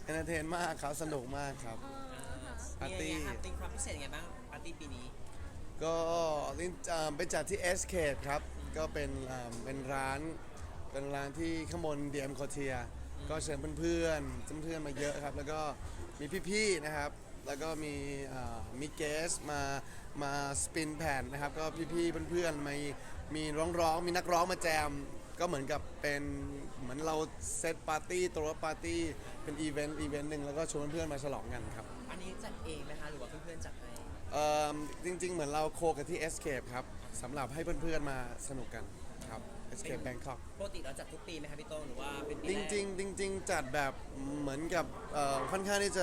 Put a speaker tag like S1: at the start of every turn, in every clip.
S1: เอนเตอร์เทนมากครับสนุกมากครับปาร์ตี้
S2: มีอะไรครับเป็นความพิเศษยังไงบ้างปาร์ตี้ปีนี้
S1: ก็ไปจัดที่ Escape ครับก็เป็นร้านที่ข้างบน DM c o r t i e r ก็เชิญเพื่อนๆมาเยอะครับแล้วก็มีพี่ๆนะครับแล้วก็มีเกสมาสปินแผ่นนะครับก็พี่ๆเพื่อนๆมีร้องมีนักร้องมาแจมก็เหมือนกับเป็นเหมือนเราเซตปาร์ตี้ตัวปาร์ตี้เป็นอีเวนต์หนึ่งแล้วก็ชวนเพื่อนๆมาฉลองกันครับ
S2: อันนี้จัดเองไหมคะหรือว่าเพื่อนๆจัดให้
S1: เอ่จริงๆเหมือนเราโคกับที่ Escape ครับสำหรับให้เพื่อนๆมาสนุกกันครับ Escape Bangkok
S2: ปกติเราจัดทุกปีไหมครับพี่โต้งหรือว่าเป็นปี
S1: จ
S2: แรก
S1: ริงๆจัดแบบเหมือนกับค่อนข้างที่จะ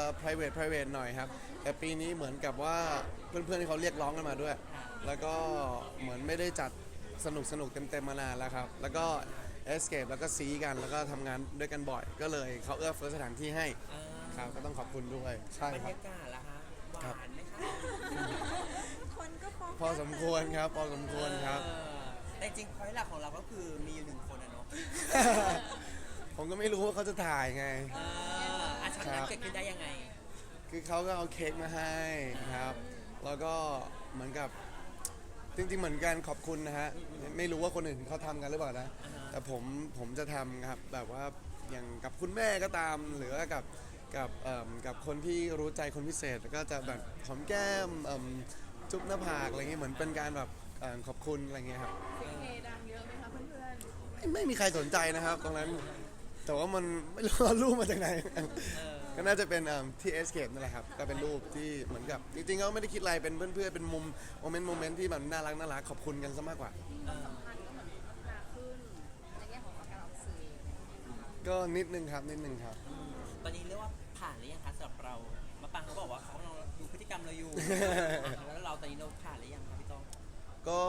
S1: private หน่อยครับแต่ปีนี้เหมือนกับว่าเพื่อนๆที่เขาเรียกร้องกันมาด้วยแล้วก็เหมือนไม่ได้จัดสนุกเต็มๆมานานแล้วครับแล้วก็ Escape แล้วก็ซีกันแล้วก็ทำงานด้วยกันบ่อยก็เลยเขาเอื้อเฟื้อสถานที่ให้
S2: อ่
S1: ครับ
S2: า
S1: ก็ต้องขอบคุณด้วยใช่
S2: บรร
S1: ครับ
S2: ยากาศล่ะคะหวานไหมคะ
S3: คนก็ฟ้อง
S1: พอสมควรครับพอสมควรครับ
S2: แต่จริงพอยหลักของเราก็คือมีอยู่หนึ่งคนอะเนาะ
S1: ผมก็ไม่รู้ว่าเขาจะถ่ายไง
S2: อาช็อตนั้นเกิดขึ้นได้ยังไง
S1: คือเขาก็เอาเค้กมาให้ครับ แล้วก็เหมือนกับจริงๆเหมือนกันขอบคุณนะฮะ ไม่รู้ว่าคนอื่นเขาทำกันหรือเปล่านะ แต่ผมจะทำครับแบบว่าอย่างกับคุณแม่ก็ตาม หรือว่ากับคนที่รู้ใจคนพิเศษก็จะแบบหอมแก้มจุ๊บหน้าผากอะไรเงี้ยเหมือนเป็นการแบบขอบคุณอะไรเงี้ยครับ
S3: เฮดังเยอะไหมคะเพื่อน
S1: ไม่มีใครสนใจนะครับตรงนั้นแต่ว่ามันไม่รู้ว่ารูปมาจากไหน ก็น่าจะเป็นที่ Escape นั่นแหละครับก็เป็นรูปที่เหมือนกับจริงๆก็ไม่ได้คิดอะไรเป็นเพื่อนๆเป็นมุมโมเมนต์ที่แบบน่ารักขอบคุณกันซะมากกว่า
S3: ๆพันก็เหมือนพัฒนาขึ้นในแง่ของการออกสื่อ
S1: ก็นิดนึงครับ
S2: ตอนนี้เรียกว่าผ่านหรือยังคะสำหรับเรามาปังเขาบอกว่าเขากำลังดูพฤติกรรมเราอยู่แล้วเราตอนนี้เราผ่านหรือยังคะพี่โต้อง
S1: ก็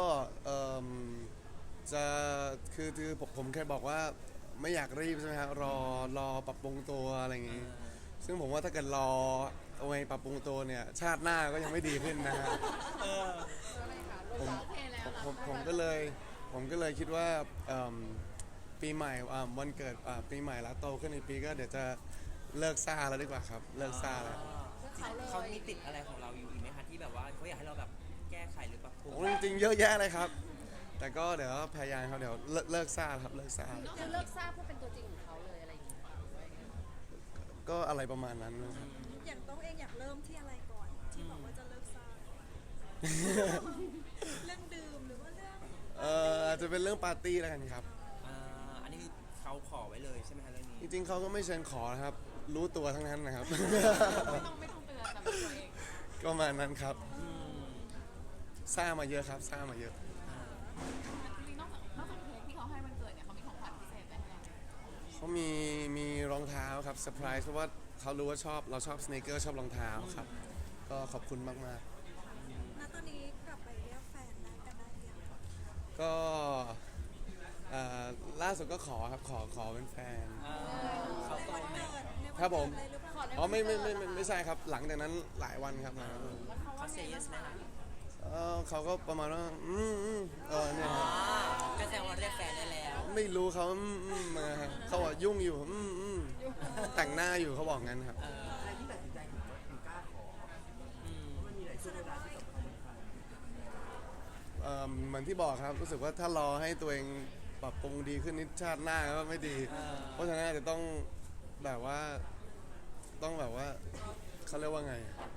S1: จะคือผมเคยบอกว่าไม่อยากรีบใช่ไหมครับรอปรับปรุงตัวอะไรอย่างงี้ซึ่งผมว่าถ้าเกิดรอเอาไว้ปรับปรุงตัวเนี่ยชาติหน้าก็ยังไม่ดีขึ้นนะฮะ
S2: เออ
S1: ผมก็เลยคิดว่าปีใหม่วันเกิดปีใหม่แล้วโตขึ้นอีกปีก็เดี๋ยวจะเลิกซ่าแล้วดีกว่าครับเลิกซ่าแล้ว
S2: เขามีติดอะไรของเราอยู่อีกไหมคะที่แบบว่าเขาอยากให้เราแบบแก้ไขหรือปรับปรุง
S1: โอ้จริงๆเยอะแยะเลยครับแต่ก็เดี๋ยวพยายามครับเดี๋ยวเลิกซ่าครับเลิกซ่า
S3: จะเลิกทราบเพื่อเป็นตัวจริงของเขาเลยอะไรอย่างเงี้ย
S1: ก็อะไรประมาณนั้นนะครับ
S3: อย่างต้องเองอยากเริ่มที่อะไรก่อนที่บอกว่าจะเลิกซ่าเรื่องดื่มหรือว่าเรื่อง
S1: อาจจะเป็นเรื่องปาร์ตี้แล้วกันครับ
S2: อันนี้คือเขาขอไว้เลยใช่ไหมคะเรื่องนี้
S1: จริงๆเขาก็ไม่เชิญขอนะครับรู้ตัวทั้งนั้นนะครับ
S3: ไม่ต้องเตือนแต่เป็นตัวเอง
S1: ก็ประมาณนั้นครับซ่ามาเยอะครับซ่ามาเยอะ
S3: จริงๆนอกจากเค้กที่เขาให้วันเกิดเนี่ยเขามีของขวัญพิเศษอะไรให้เราไหม
S1: เขามีรองเท้าครับเซอร์ไพรส์เพราะว่าเขารู้ว่าเราชอบสเนคเกอร์ชอบรองเท้าครับก็ขอบคุณมาก
S3: ณตอนนี้กลับไปเรียกแฟนได้กันได้ยัง
S1: ๆก็ล่าสุดก็ขอครับขอเป็นแฟน
S2: เขาโตไหม
S1: ครับผมอ๋อ
S3: ไม่
S1: ไม่ใช่ครับหลังจากนั้นหลายวันครับ
S2: เขาเซย์ไหมคะ
S1: เขาก็ประมาณว่าเนี่ยครับ
S2: ก็แสดงว่าเรียกแฟนได้แล้ว
S1: ไม่รู้เขามาครับเขาบอกยุ่งอยู่แต่งหน้าอยู่เขาบอกงั้นครับ
S4: อะไรที่ตัดสินใจถึงกล้าขอเพราะมันมีหลายช่วงเวลาที่สำคัญ
S1: เหมือนที่บอกครับรู้สึกว่าถ้ารอให้ตัวเองปรับปรุงดีขึ้นนิดชาติหน้าก็ไม่ดีเพราะฉะนั้นอาจจะต้องแบบว่าเขาเรียกว่าไง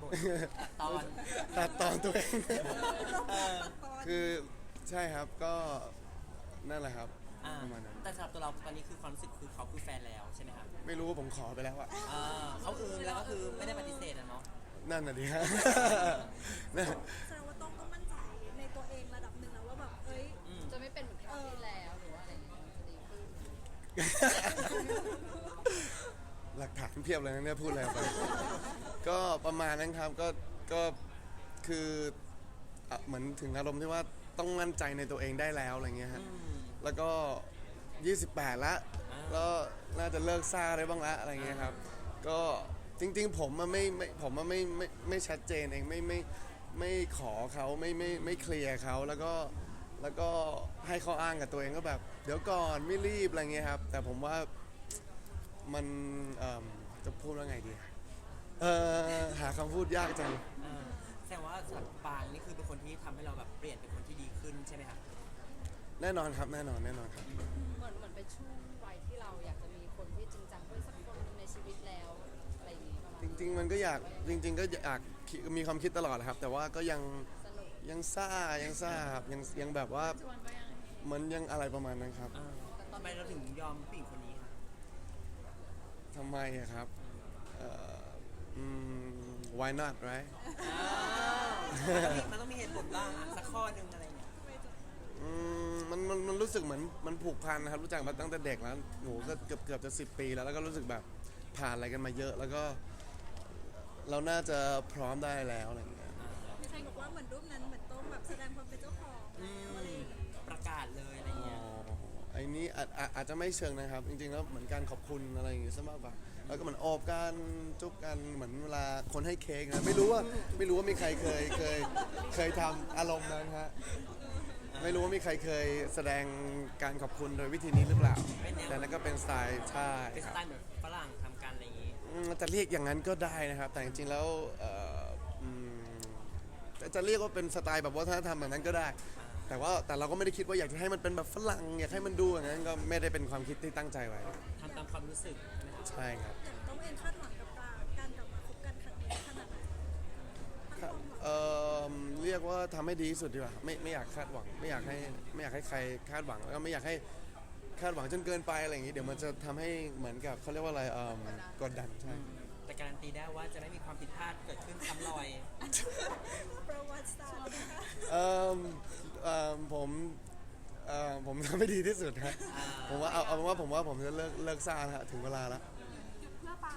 S1: ตัดตอนตัวเองคือใช่ครับก็นั่นแหละครับประมาณนั้น
S2: แต่สำหรับตัวเราตอนนี้คือความรู้สึกคือเขาคือแฟนแล้วใช่ไหมครับ
S1: ไม่รู้ว่าผมขอไปแล้วอะ
S2: เขาแล้วก็คือไม่ได้ปฏิเสธนะเนาะ
S1: นั่นน่ะดิฮะ
S3: แสดงว่าต้องมั่นใจในตัวเองระดับหนึ่งแล้วว่าแบบจะไม่เป็นเหมือนคราวที่แล้วหรือว่าอะไรอย่างเงี้ยจะดีขึ้น
S1: หลักฐานเพียบเลยนะเนี่ยพูดอะไรไปก็ประมาณนั้นครับก็คือเหมือนถึงอารมณ์ที่ว่าต้องมั่นใจในตัวเองได้แล้วอะไรเงี้ยฮะแล้วก็28แล้วก็น่าจะเลิกซ่าได้บ้างละอะไรเงี้ยครับก็จริงๆผมไม่ชัดเจนเองไม่ขอเขาไม่เคลียร์เขาแล้วก็ให้เขาอ้างกับตัวเองก็แบบเดี๋ยวก่อนไม่รีบอะไรเงี้ยครับแต่ผมว่ามันจะพูดว่าไงดีหาคำพูดยากจัง
S2: แสดงว่าสำหรับปางนี่คือเป็นคนที่ทำให้เราแบบเปลี่ยนเป็นคนที่ดีขึ้นใช่ไหมครับ
S1: แน่นอนครับแน่นอนครับ
S3: เหมือนเป็นช่วงวัยที่เราอยากจะมีคนที่จริงจังด้วยสักคนหนึงในชีวิตแล้วอะไรอย่างนี้ประมาณ
S1: จริงๆมันก็อยากจริง ๆ ก็อยากมีความคิดตลอดนะครับ แต่ว่าก็ยัง
S3: สนุก
S1: ยังซ่าครับยังแบบว่าเหมือนยังอะไรประมาณนั้นครับ
S2: ทำไมเราถึงยอมผู้หญิงคนนี้ครับ
S1: ทำไมอะครับwhy not right
S2: มันต้องมีเหตุผลบ้างอะสักข้อหนึ่งอะไรเงี้ย
S1: มันรู้สึกเหมือนมันผูกพันนะครับรู้จักมาตั้งแต่เด็กแล้วหนูก็เกือบจะ10 ปีแล้วก็รู้สึกแบบผ่านอะไรกันมาเยอะ แล้วก็เราน่าจะพร้อมได้แล้วอะไรอย่างเงี้ย
S3: มีใครบอกว่าเหมือนรูปนั้นเหมือนต้องแบบแสดงความเป็นเจ้าของแล้วอะไรอย่างเงี้ย
S2: ประกาศเลยอะไรเงี้ย
S1: ไอ้นี้อาจจะไม่เชิงนะครับ จริงๆแล้วเหมือนการขอบคุณอะไรอย่างเงี้ยซะมากกว่าแล้วก็เหมือนโอบกันจุ๊บกันเหมือนเวลาคนให้เค้กนะไม่รู้ว่ามีใครเคยทำอารมณ์นั้นฮะไม่รู้ว่ามีใครเคยแสดงการขอบคุณโดยวิธีนี้หรือเปล่าแต่นั่นก็เป็นสไตล์ใช่
S2: เป็น
S1: ค
S2: ส
S1: รับ
S2: ไตล์เหมือนฝรั่งทำกันอะไรอย่างงี้
S1: จะเรียกอย่างนั้นก็ได้นะครับ แต่จริงๆแล้วจะเรียกว่าเป็นสไตล์แบบวัฒนธรรมแบบนั้นก็ได้ แต่เราก็ไม่ได้คิดว่าอยากจะให้มันเป็นแบบฝรั่งอยากให้มันดูอย่างนั้นก็ไม่ได้เป็นความคิดที่ตั้งใจไว้
S2: ทำตามความรู้สึกนะครับ
S1: ใช่ครับ
S3: อย่างต้องเองคาดหวังกับการกลับมาคบกันครั้งนี้ขนาดไหน
S1: เรียกว่าทำให้ดีที่สุดดีกว่าไม่อยากคาดหวังไม่อยากให้ใครคาดหวังแล้วก็ไม่อยากให้คาดหวังจนเกินไปอะไรอย่างนี้เดี๋ยวมันจะทำให้เหมือนกับเขาเรียกว่าอะไรกดดันใช่
S2: แต่การันตีได้ว่าจะไม่มีความผิดพลาดเกิดขึ้นซ้ำรอย
S3: ประวัติศาสตร์นะคะ
S1: ผมทำให้ดีที่สุดฮะผมว่าเอาเป็นว่าผมจะเลิกซ่าแล้วฮะถึงเวลาแล้ว
S3: เพื่อปา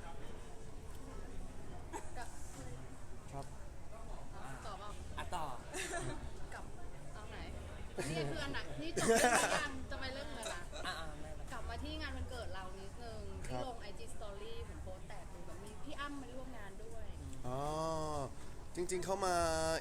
S1: ครับ
S3: ต่อเปล่า
S2: อ่ะต่อ
S3: กับเอาไหนนี่คืออันไหนนี่จบเรื่องยังจะไปเรื่องเลยนะ
S2: ไม่เป็นไร
S3: กลับมาที่งานวันเกิดเรานิดนึงที่ลง IG Story ผมโพสต์แตกเลยแบบมีพี่อ้ำมาร่วมงานด้วย
S1: อ๋อจริงๆเขามา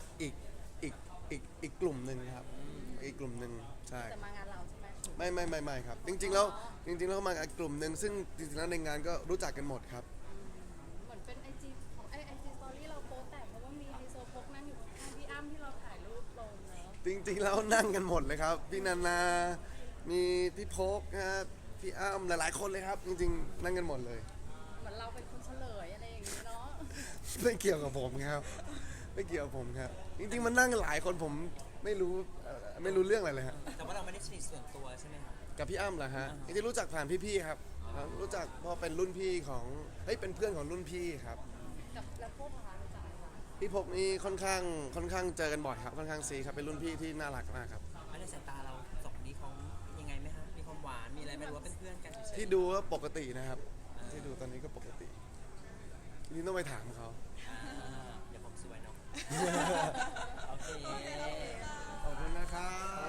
S1: อีกกลุ่มหนึ่งครับอีกกลุ่มหนึ่งใช่
S3: แต่มางานเราใช่ไหม
S1: ไม่ครับจริงๆแล้วเขามาอีกกลุ่มหนึ่งซึ่งจริงๆแล้วในงานก็รู้จักกันหมดครับ
S3: เหมือนเป็น IG ของIG Story เราโพสต์แตกเพราะว่ามีไฮโซโพกนั่งอยู่ข้างๆพี่อ้ำที่เราถ่ายรูปลงเนาะ
S1: จริงๆแล้วนั่งกันหมดเลยครับพี่นานามีพี่พกนะครับพี่อ้ำหลายๆคนเลยครับ จริงๆนั่งกันหมดเลย
S3: เหมือนเราเป็นคนเฉลยอะไรอย่างนี้เนาะ
S1: ไม่เกี่ยวกับผมครับไม่เกี่ยวกับผมครับ จริงๆมันนั่งกันหลายคนผมไม่รู้เรื่องอะไรเลยฮะ
S2: แต่ว่าเราไม่ได้สนิทส่วนตัวใช่ไหมครับ
S1: กับพี่อ้ำเหรอฮะจริงๆรู้จักผ่านพี่ๆครับรู้จักเพราะเป็นรุ่นพี่ของเป็นเพื่อนของรุ่นพี่ครับ
S3: กับแล้วพวกร้านรู้จักไหมคะ
S1: พี่พกนี่ค่อนข้างเจอกันบ่อยครับค่อนข้างซีครับเป็นรุ่นพี่ที่น่ารักมากครับ
S2: อันในสายตาเราสองคนนี้เขายังไงไหมฮะมีความหวานมีอะไรไหมหรือว่าเป็นเพื่อนกันเฉยๆ
S1: ที่ดูว่าปกตินะครับ ที่ดูตอนนี้ก็ปกติทีนี้ต้องไปถามเขา
S2: เดี๋ยวผมสวยเนาะ โอเค
S1: ขอบคุณนะครับ